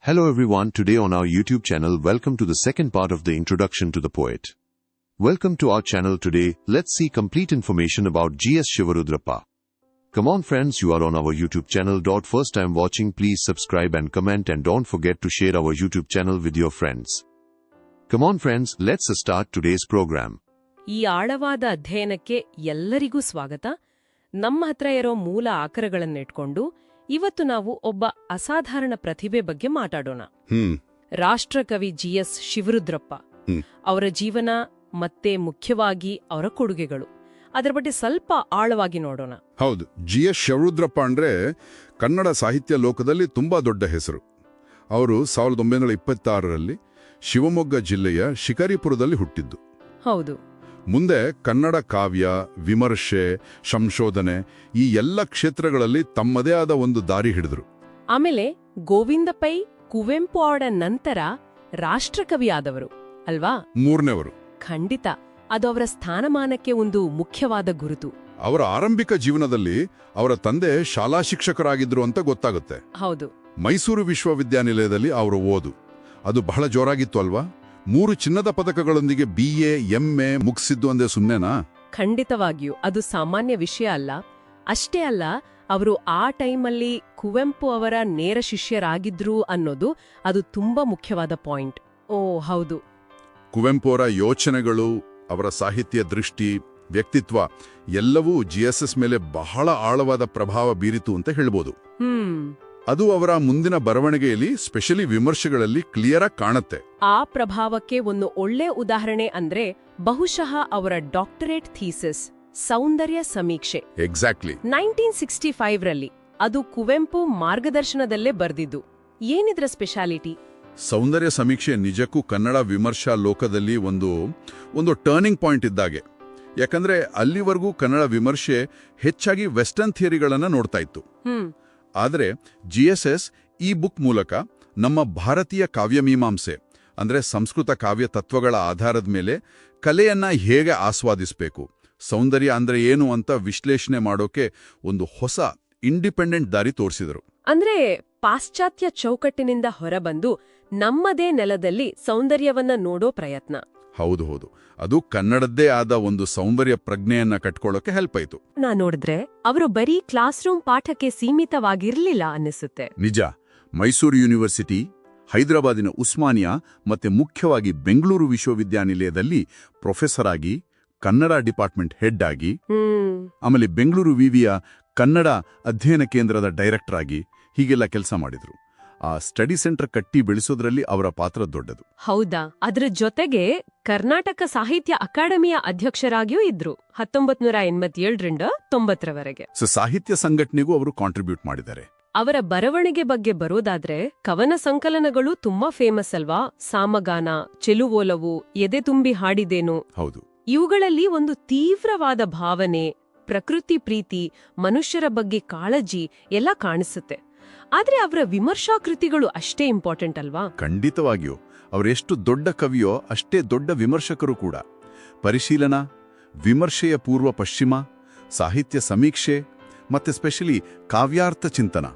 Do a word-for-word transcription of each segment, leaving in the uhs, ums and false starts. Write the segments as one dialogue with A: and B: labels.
A: Hello everyone, today on our YouTube channel, welcome to the second part of the introduction to the poet. Welcome to our channel today, let's see complete information about G S Shivarudrappa. Come on friends, you are on our YouTube channel. First time watching, please subscribe and comment and don't forget to share our YouTube channel with your friends. Come on friends, let's start today's program.
B: ಈ ಆಳವಾದ ಅಧ್ಯಯನಕ್ಕೆ ಎಲ್ಲರಿಗೂ ಸ್ವಾಗತ. ನಮ್ಮ ಹತ್ರ ಇರೋ ಮೂಲ ಆಕರಗಳನ್ನಿಟ್ಕೊಂಡು ಇವತ್ತು ನಾವು ಒಬ್ಬ ಅಸಾಧಾರಣ ಪ್ರತಿಭೆ ಬಗ್ಗೆ ಮಾತಾಡೋಣ. ರಾಷ್ಟ್ರಕವಿ ಜಿ ಎಸ್ ಶಿವರುದ್ರಪ್ಪ ಅವರ ಜೀವನ ಮತ್ತೆ ಮುಖ್ಯವಾಗಿ ಅವರ ಕೊಡುಗೆಗಳು, ಅದರ ಬಗ್ಗೆ ಸ್ವಲ್ಪ ಆಳವಾಗಿ ನೋಡೋಣ.
C: ಹೌದು, ಜಿ ಎಸ್ ಶಿವರುದ್ರಪ್ಪ ಅಂದ್ರೆ ಕನ್ನಡ ಸಾಹಿತ್ಯ ಲೋಕದಲ್ಲಿ ತುಂಬಾ ದೊಡ್ಡ ಹೆಸರು. ಅವರು ಸಾವಿರದ ಒಂಬೈನೂರ ಇಪ್ಪತ್ತಾರರಲ್ಲಿ ಶಿವಮೊಗ್ಗ ಜಿಲ್ಲೆಯ ಶಿಕಾರಿಪುರದಲ್ಲಿ ಹುಟ್ಟಿದ್ದು.
B: ಹೌದು.
C: ಮುಂದೆ ಕನ್ನಡ ಕಾವ್ಯ, ವಿಮರ್ಶೆ, ಸಂಶೋಧನೆ ಈ ಎಲ್ಲ ಕ್ಷೇತ್ರಗಳಲ್ಲಿ ತಮ್ಮದೇ ಆದ ಒಂದು ದಾರಿ ಹಿಡಿದ್ರು.
B: ಆಮೇಲೆ ಗೋವಿಂದ ಪೈ, ಕುವೆಂಪು ಅವರ ನಂತರ ರಾಷ್ಟ್ರಕವಿ ಆದವರು ಅಲ್ವಾ?
C: ಮೂರನೇವರು.
B: ಖಂಡಿತ, ಅದು ಅವರ ಸ್ಥಾನಮಾನಕ್ಕೆ ಒಂದು ಮುಖ್ಯವಾದ ಗುರುತು.
C: ಅವರ ಆರಂಭಿಕ ಜೀವನದಲ್ಲಿ ಅವರ ತಂದೆ ಶಾಲಾ ಶಿಕ್ಷಕರಾಗಿದ್ರು ಅಂತ ಗೊತ್ತಾಗುತ್ತೆ.
B: ಹೌದು.
C: ಮೈಸೂರು ವಿಶ್ವವಿದ್ಯಾನಿಲಯದಲ್ಲಿ ಅವರ ಓದು ಅದು ಬಹಳ ಜೋರಾಗಿತ್ತು ಅಲ್ವಾ? ಮೂರು ಚಿನ್ನದ ಪದಕಗಳೊಂದಿಗೆ ಬಿ ಎ ಎಂ ಎ ಮುಗಿಸಿದ್ದು ಅಂದೇ ಸುಮ್ನೆನಾ?
B: ಖಂಡಿತವಾಗಿಯೂ ಅದು ಸಾಮಾನ್ಯ ವಿಷಯ ಅಲ್ಲ. ಅಷ್ಟೇ ಅಲ್ಲ, ಅವರು ಆ ಟೈಮಲ್ಲಿ ಕುವೆಂಪು ಅವರ ನೇರ ಶಿಷ್ಯರಾಗಿದ್ರು ಅನ್ನೋದು ಅದು ತುಂಬಾ ಮುಖ್ಯವಾದ ಪಾಯಿಂಟ್. ಓ ಹೌದು,
C: ಕುವೆಂಪು ಅವರ ಯೋಚನೆಗಳು, ಅವರ ಸಾಹಿತ್ಯ ದೃಷ್ಟಿ, ವ್ಯಕ್ತಿತ್ವ ಎಲ್ಲವೂ ಜಿ ಎಸ್ ಎಸ್ ಮೇಲೆ ಬಹಳ ಆಳವಾದ ಪ್ರಭಾವ ಬೀರಿತು ಅಂತ ಹೇಳ್ಬೋದು.
B: ಹ್ಮ್
C: ಅದು ಅವರ ಮುಂದಿನ ಬರವಣಿಗೆಯಲ್ಲಿ, ಸ್ಪೆಷಲಿ ವಿಮರ್ಶೆಗಳಲ್ಲಿ ಕ್ಲಿಯರ್ ಆಗಿ ಕಾಣುತ್ತೆ.
B: ಆ ಪ್ರಭಾವಕ್ಕೆ ಒಂದು ಒಳ್ಳೆ ಉದಾಹರಣೆ ಅಂದ್ರೆ ಬಹುಶಃ ಅವರ ಡಾಕ್ಟರೇಟ್ ಥೀಸಿಸ್ ಸೌಂದರ್ಯ ಸಮೀಕ್ಷೆ.
C: ಎಕ್ಸಾಕ್ಟ್ಲಿ.
B: ನೈನ್ಟೀನ್ ಸಿಕ್ಸ್ಟಿ ಫೈವ್ ರಲ್ಲಿ ಅದು ಕುವೆಂಪು ಮಾರ್ಗದರ್ಶನದಲ್ಲೇ ಬರ್ದಿದ್ದು. ಏನಿದ್ರ ಸ್ಪೆಷಾಲಿಟಿ?
C: ಸೌಂದರ್ಯ ಸಮೀಕ್ಷೆ ನಿಜಕ್ಕೂ ಕನ್ನಡ ವಿಮರ್ಶಾ ಲೋಕದಲ್ಲಿ ಒಂದು ಒಂದು ಟರ್ನಿಂಗ್ ಪಾಯಿಂಟ್ ಇದ್ದಾಗೆ. ಯಾಕಂದ್ರೆ ಅಲ್ಲಿವರೆಗೂ ಕನ್ನಡ ವಿಮರ್ಶೆ ಹೆಚ್ಚಾಗಿ ವೆಸ್ಟರ್ನ್ ಥಿಯರಿಗಳನ್ನ ನೋಡ್ತಾ ಇತ್ತು.
B: ಹ್ಮ್
C: ಆದರೆ ಜಿ ಎಸ್ ಎಸ್ ಈ ಬುಕ್ ಮೂಲಕ ನಮ್ಮ ಭಾರತೀಯ ಕಾವ್ಯಮೀಮಾಂಸೆ ಅಂದ್ರೆ ಸಂಸ್ಕೃತ ಕಾವ್ಯ ತತ್ವಗಳ ಆಧಾರದ ಮೇಲೆ ಕಲೆಯನ್ನ ಹೇಗೆ ಆಸ್ವಾದಿಸಬೇಕು, ಸೌಂದರ್ಯ ಅಂದ್ರೆ ಏನು ಅಂತ ವಿಶ್ಲೇಷಣೆ ಮಾಡೋಕೆ ಒಂದು ಹೊಸ ಇಂಡಿಪೆಂಡೆಂಟ್ ದಾರಿ ತೋರಿಸಿದರು.
B: ಅಂದ್ರೆ ಪಾಶ್ಚಾತ್ಯ ಚೌಕಟ್ಟಿನಿಂದ ಹೊರಬಂದು ನಮ್ಮದೇ ನೆಲದಲ್ಲಿ ಸೌಂದರ್ಯವನ್ನ ನೋಡೋ ಪ್ರಯತ್ನ.
C: ಹೌದು ಹೌದು, ಅದು ಕನ್ನಡದ್ದೇ ಆದ ಒಂದು ಸೌಂದರ್ಯ ಪ್ರಜ್ಞೆಯನ್ನ ಕಟ್ಕೊಳ್ಳೋಕೆ ಹೆಲ್ಪ್ ಆಯ್ತು.
B: ನಾ ನೋಡಿದ್ರೆ ಅವರು ಬರೀ ಕ್ಲಾಸ್ ರೂಮ್ ಪಾಠಕ್ಕೆ ಸೀಮಿತವಾಗಿರ್ಲಿಲ್ಲ ಅನ್ನಿಸುತ್ತೆ.
C: ನಿಜ. ಮೈಸೂರು ಯೂನಿವರ್ಸಿಟಿ, ಹೈದರಾಬಾದಿನ ಉಸ್ಮಾನಿಯಾ ಮತ್ತೆ ಮುಖ್ಯವಾಗಿ ಬೆಂಗಳೂರು ವಿಶ್ವವಿದ್ಯಾನಿಲಯದಲ್ಲಿ ಪ್ರೊಫೆಸರ್ ಆಗಿ, ಕನ್ನಡ ಡಿಪಾರ್ಟ್ಮೆಂಟ್ ಹೆಡ್ ಆಗಿ, ಆಮೇಲೆ ಬೆಂಗಳೂರು ವಿವಿಯ ಕನ್ನಡ ಅಧ್ಯಯನ ಕೇಂದ್ರದ ಡೈರೆಕ್ಟರ್ ಆಗಿ ಹೀಗೆಲ್ಲ ಕೆಲಸ ಮಾಡಿದ್ರು. ಆ ಸ್ಟಡಿ ಸೆಂಟರ್ ಕಟ್ಟಿ ಬೆಳೆಸೋದ್ರಲ್ಲಿ ಅವರ ಪಾತ್ರ ದೊಡ್ಡದು.
B: ಹೌದಾ? ಅದರ ಜೊತೆಗೆ ಕರ್ನಾಟಕ ಸಾಹಿತ್ಯ ಅಕಾಡೆಮಿಯ ಅಧ್ಯಕ್ಷರಾಗಿಯೂ ಇದ್ರು ಹತ್ತೊಂಬತ್ ನೂರ ಎಂಬತ್ತೇಳರಿಂದ ತೊಂಬತ್ತರವರೆಗೆ.
C: ಸೊ ಸಾಹಿತ್ಯ ಸಂಘಟನೆಗೂ ಅವರು ಕಾಂಟ್ರಿಬ್ಯೂಟ್ ಮಾಡಿದ್ದಾರೆ.
B: ಅವರ ಬರವಣಿಗೆ ಬಗ್ಗೆ ಬರೋದಾದ್ರೆ ಕವನ ಸಂಕಲನಗಳು ತುಂಬಾ ಫೇಮಸ್ ಅಲ್ವಾ? ಸಾಮಗಾನ, ಚೆಲುವೋಲವು, ಎದೆ ತುಂಬಿ ಹಾಡಿದೇನು.
C: ಹೌದು.
B: ಇವುಗಳಲ್ಲಿ ಒಂದು ತೀವ್ರವಾದ ಭಾವನೆ, ಪ್ರಕೃತಿ ಪ್ರೀತಿ, ಮನುಷ್ಯರ ಬಗ್ಗೆ ಕಾಳಜಿ ಎಲ್ಲ ಕಾಣಿಸುತ್ತೆ. ಆದ್ರೆ ಅವರ ವಿಮರ್ಶಾ ಕೃತಿಗಳು ಅಷ್ಟೇ ಇಂಪಾರ್ಟೆಂಟ್ ಅಲ್ವಾ?
C: ಖಂಡಿತವಾಗಿಯೂ. ಅವರೆಷ್ಟು ದೊಡ್ಡ ಕವಿಯೋ ಅಷ್ಟೇ ದೊಡ್ಡ ವಿಮರ್ಶಕರು ಕೂಡ. ಪರಿಶೀಲನಾ, ವಿಮರ್ಶೆಯ ಪೂರ್ವ ಪಶ್ಚಿಮ, ಸಾಹಿತ್ಯ ಸಮೀಕ್ಷೆ ಮತ್ತೆ ಸ್ಪೆಷಲಿ ಕಾವ್ಯಾರ್ಥ ಚಿಂತನ,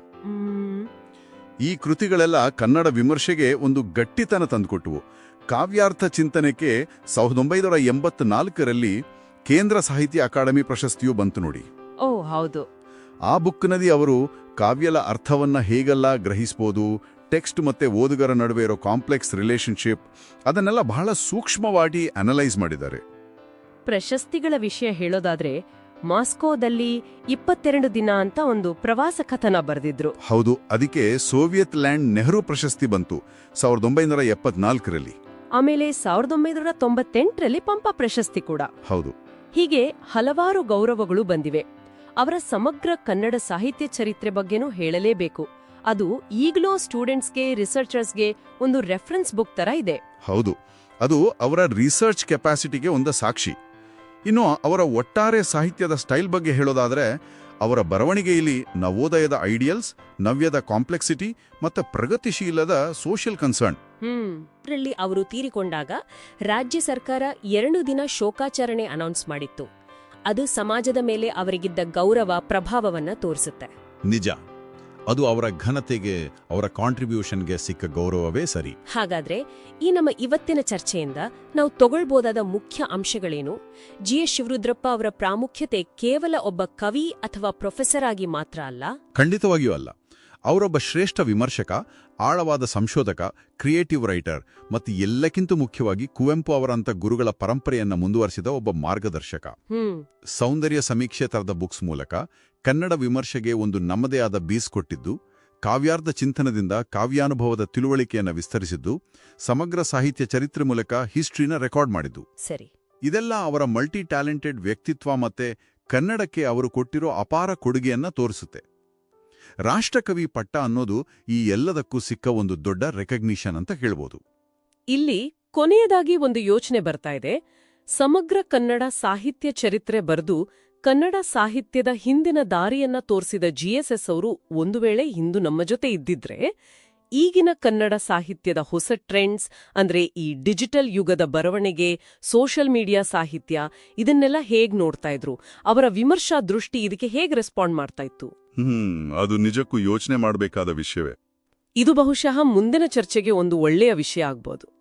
C: ಈ ಕೃತಿಗಳೆಲ್ಲ ಕನ್ನಡ ವಿಮರ್ಶೆಗೆ ಒಂದು ಗಟ್ಟಿತನ ತಂದುಕೊಟ್ಟವು. ಕಾವ್ಯಾರ್ಥ ಚಿಂತನೆಗೆ ಸಾವಿರದ ಒಂಬೈನೂರ ಎಂಬತ್ನಾಲ್ಕರಲ್ಲಿ ಕೇಂದ್ರ ಸಾಹಿತ್ಯ ಅಕಾಡೆಮಿ ಪ್ರಶಸ್ತಿಯೂ ಬಂತು ನೋಡಿ.
B: ಓ ಹೌದು.
C: ಆ ಬುಕ್ನಲ್ಲಿ ಅವರು ಕಾವ್ಯದ ಅರ್ಥವನ್ನ ಹೇಗೆಲ್ಲ ಗ್ರಹಿಸ್ಬೋದು, ಟೆಕ್ಸ್ಟ್ ಮತ್ತೆ ಓದುಗರ ನಡುವೆ ಇರೋ ಕಾಂಪ್ಲೆಕ್ಸ್ ರಿಲೇಶನ್ಶಿಪ್, ಅದನ್ನೆಲ್ಲ ಬಹಳ ಸೂಕ್ಷ್ಮವಾಗಿ ಅನಲೈಸ್ ಮಾಡಿದ್ದಾರೆ.
B: ಪ್ರಶಸ್ತಿಗಳ ವಿಷಯ ಹೇಳೋದಾದ್ರೆ ಮಾಸ್ಕೋದಲ್ಲಿ ಇಪ್ಪತ್ತೆರಡು ದಿನ ಅಂತ ಒಂದು ಪ್ರವಾಸ ಕಥನ ಬರೆದಿದ್ರು.
C: ಹೌದು, ಅದಕ್ಕೆ ಸೋವಿಯತ್ ಲ್ಯಾಂಡ್ ನೆಹರು ಪ್ರಶಸ್ತಿ ಬಂತು ಸಾವಿರದ ಒಂಬೈನೂರ ಎಪ್ಪತ್ನಾಲ್ಕರಲ್ಲಿ.
B: ಆಮೇಲೆ ಸಾವಿರದ ಒಂಬೈನೂರ ತೊಂಬತ್ತೆಂಟರಲ್ಲಿ ಪಂಪ ಪ್ರಶಸ್ತಿ ಕೂಡ.
C: ಹೌದು.
B: ಹೀಗೆ ಹಲವಾರು ಗೌರವಗಳು ಬಂದಿವೆ. ಅವರ ಸಮಗ್ರ ಕನ್ನಡ ಸಾಹಿತ್ಯ ಚರಿತ್ರೆ ಬಗ್ಗೆನೂ ಹೇಳಲೇಬೇಕು. ಅದು ಈಗಲೂ ಸ್ಟೂಡೆಂಟ್ಸ್ಗೆ, ರಿಸರ್ಚರ್ಸ್ಗೆ ಒಂದು ರೆಫರೆನ್ಸ್ ಬುಕ್ ತರ ಇದೆ.
C: ಹೌದು, ಅದು ಅವರ ರಿಸರ್ಚ್ ಕೆಪಾಸಿಟಿಗೆ ಒಂದು ಸಾಕ್ಷಿ. ಇನ್ನು ಅವರ ಒಟ್ಟಾರೆ ಸಾಹಿತ್ಯದ ಸ್ಟೈಲ್ ಬಗ್ಗೆ ಹೇಳೋದಾದ್ರೆ, ಅವರ ಬರವಣಿಗೆಯಲ್ಲಿ ನವೋದಯದ ಐಡಿಯಲ್ಸ್, ನವ್ಯದ ಕಾಂಪ್ಲೆಕ್ಸಿಟಿ ಮತ್ತು ಪ್ರಗತಿಶೀಲದ ಸೋಷಿಯಲ್ ಕನ್ಸರ್ನ್.
B: ಹ್ಮ್ ಇದರಲ್ಲಿ ಅವರು ತೀರಿಕೊಂಡಾಗ ರಾಜ್ಯ ಸರ್ಕಾರ ಎರಡು ದಿನ ಶೋಕಾಚರಣೆ ಅನೌನ್ಸ್ ಮಾಡಿತ್ತು. ಅದು ಸಮಾಜದ ಮೇಲೆ ಅವರಿಗಿದ್ದ ಗೌರವ, ಪ್ರಭಾವವನ್ನ ತೋರಿಸುತ್ತೆ.
C: ನಿಜ. ಅದು ಅವರ ಘನತೆಗೆ, ಅವರ ಕಾಂಟ್ರಿಬ್ಯೂಷನ್ಗೆ ಸಿಕ್ಕ ಗೌರವವೇ ಸರಿ.
B: ಹಾಗಾದ್ರೆ ಈ ನಮ್ಮ ಇವತ್ತಿನ ಚರ್ಚೆಯಿಂದ ನಾವು ತಗೊಳ್ಬೋದಾದ ಮುಖ್ಯ ಅಂಶಗಳೇನು? ಜಿ ಎಸ್ ಶಿವರುದ್ರಪ್ಪ ಅವರ ಪ್ರಾಮುಖ್ಯತೆ ಕೇವಲ ಒಬ್ಬ ಕವಿ ಅಥವಾ ಪ್ರೊಫೆಸರ್ ಆಗಿ ಮಾತ್ರ ಅಲ್ಲ.
C: ಖಂಡಿತವಾಗಿಯೂ ಅಲ್ಲ. ಅವರೊಬ್ಬ ಶ್ರೇಷ್ಠ ವಿಮರ್ಶಕ, ಆಳವಾದ ಸಂಶೋಧಕ, ಕ್ರಿಯೇಟಿವ್ ರೈಟರ್ ಮತ್ತು ಎಲ್ಲಕ್ಕಿಂತ ಮುಖ್ಯವಾಗಿ ಕುವೆಂಪು ಅವರಂಥ ಗುರುಗಳ ಪರಂಪರೆಯನ್ನ ಮುಂದುವರಿಸಿದ ಒಬ್ಬ ಮಾರ್ಗದರ್ಶಕ.
B: ಹ್ಮ್
C: ಸೌಂದರ್ಯ ಸಮೀಕ್ಷೆ ತರದ ಬುಕ್ಸ್ ಮೂಲಕ ಕನ್ನಡ ವಿಮರ್ಶೆಗೆ ಒಂದು ನಮ್ಮದೇ ಆದ ಬೀಸ್ ಕೊಟ್ಟಿದ್ದು, ಕಾವ್ಯಾರ್ಧ ಚಿಂತನದಿಂದ ಕಾವ್ಯಾನುಭವದ ತಿಳುವಳಿಕೆಯನ್ನು ವಿಸ್ತರಿಸಿದ್ದು, ಸಮಗ್ರ ಸಾಹಿತ್ಯ ಚರಿತ್ರೆ ಮೂಲಕ ಹಿಸ್ಟ್ರಿನ ರೆಕಾರ್ಡ್ ಮಾಡಿದ್ದು.
B: ಸರಿ.
C: ಇದೆಲ್ಲ ಅವರ ಮಲ್ಟಿ ಟ್ಯಾಲೆಂಟೆಡ್ ವ್ಯಕ್ತಿತ್ವ ಮತ್ತೆ ಕನ್ನಡಕ್ಕೆ ಅವರು ಕೊಟ್ಟಿರೋ ಅಪಾರ ಕೊಡುಗೆಯನ್ನ ತೋರಿಸುತ್ತೆ. ರಾಷ್ಟ್ರಕವಿ ಪಟ್ಟ ಅನ್ನೋದು ಈ ಎಲ್ಲದಕ್ಕೂ ಸಿಕ್ಕ ಒಂದು ದೊಡ್ಡ ರೆಕಗ್ನಿಷನ್ ಅಂತ ಹೇಳ್ಬೋದು.
B: ಇಲ್ಲಿ ಕೊನೆಯದಾಗಿ ಒಂದು ಯೋಚನೆ ಬರ್ತಾ ಇದೆ. ಸಮಗ್ರ ಕನ್ನಡ ಸಾಹಿತ್ಯ ಚರಿತ್ರೆ ಬರೆದು ಕನ್ನಡ ಸಾಹಿತ್ಯದ ಹಿಂದಿನ ದಾರಿಯನ್ನ ತೋರಿಸಿದ ಜಿಎಸ್ಎಸ್ ಅವರು ಒಂದು ವೇಳೆ ಇಂದು ನಮ್ಮ ಜೊತೆ ಇದ್ದಿದ್ರೆ, ಈಗಿನ ಕನ್ನಡ ಸಾಹಿತ್ಯದ ಹೊಸ ಟ್ರೆಂಡ್ಸ್ ಅಂದ್ರೆ ಈ ಡಿಜಿಟಲ್ ಯುಗದ ಬರವಣಿಗೆ, ಸೋಷಿಯಲ್ ಮೀಡಿಯಾ ಸಾಹಿತ್ಯ, ಇದನ್ನೆಲ್ಲ ಹೇಗ್ ನೋಡ್ತಾ ಇದ್ರು? ಅವರ ವಿಮರ್ಶಾ ದೃಷ್ಟಿ ಇದಕ್ಕೆ ಹೇಗ್ ರೆಸ್ಪಾಂಡ್ ಮಾಡ್ತಾ ಇತ್ತು?
D: ಹ್ಮ್ ಅದು ನಿಜಕ್ಕೂ ಯೋಚನೆ ಮಾಡಬೇಕಾದ ವಿಷಯವೇ.
B: ಇದು ಬಹುಶಃ ಮುಂದಿನ ಚರ್ಚೆಗೆ ಒಂದು ಒಳ್ಳೆಯ ವಿಷಯ ಆಗ್ಬೋದು.